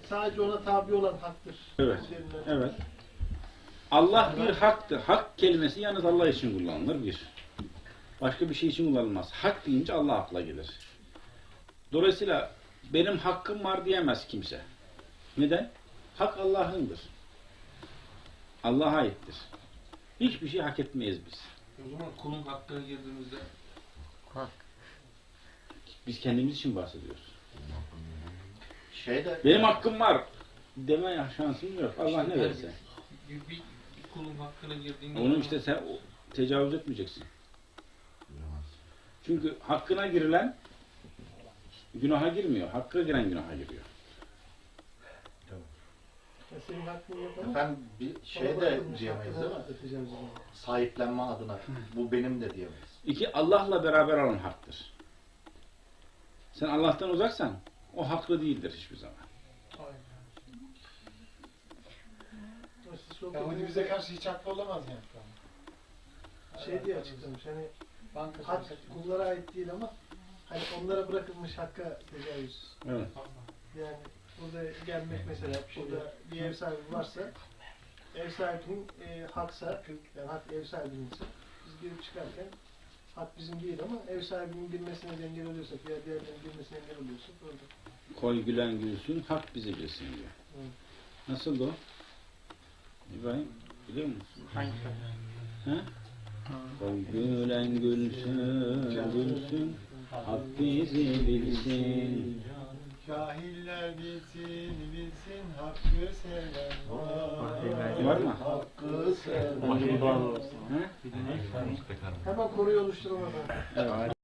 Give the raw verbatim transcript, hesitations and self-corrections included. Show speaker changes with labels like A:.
A: sadece ona tabi olan haktır.
B: Evet. Evet. Allah bir haktır. Hak kelimesi yalnız Allah için kullanılır bir. Başka bir şey için kullanılmaz. Hak deyince Allah akla gelir. Dolayısıyla benim hakkım var diyemez kimse. Neden? Hak Allah'ındır. Allah'a aittir. Hiçbir şey hak etmeyiz biz.
C: O zaman kulun hakkına girdiğimizde
D: Hak.
B: Biz kendimiz için bahsediyoruz.
E: Şey de,
B: Benim hakkım var deme şansım yok. Allah
C: İşte
B: ne verirse.
C: Bir, bir, bir kulun hakkına girdiğinde
B: Onu işte sen tecavüz etmeyeceksin. Çünkü hakkına girilen günaha girmiyor. Hakka giren günaha giriyor.
A: Ya senin hakkın yok ama
E: efendim bir şey de
A: bırakılmış
E: diyemeyiz
A: hakkını
E: değil mi?
A: ödeteceğim zaman.
E: Sahiplenme adına. Bu benim de diyemeyiz.
B: İki, Allah'la beraber olan haktır. Sen Allah'tan uzaksan o haklı değildir hiçbir zaman.
A: Siz
F: Ya o bize karşı hiç haklı olamaz yani şu an.
A: şey diye açıklamış hani
F: Banka
A: hak kullara ait değil ama hani onlara bırakılmış hakka tecavüz.
B: Evet.
A: Yani burada gelmek mesela burada bir ev sahibi varsa ev sahibinin e, haksa yani hak ev sahibinse biz girip çıkarken hak bizim değil ama ev sahibinin girmesine engel oluyorsak veya diğerlerinin girmesine engel oluyorsak orada.
B: Koy gülen gülsün, hak bizi bilsin diyor.
A: Evet.
B: Nasıl o? İbrahim, biliyor musun?
D: Hangi?
B: He? Koy gülen gülsün, gülsün, hak bizi bilsin.
F: Cahiller bilsin bilsin hakkı seven
B: Var mı?
E: Hakkı seven.
B: He?
A: Hemen konuyu oluşturamadan.
B: Evet.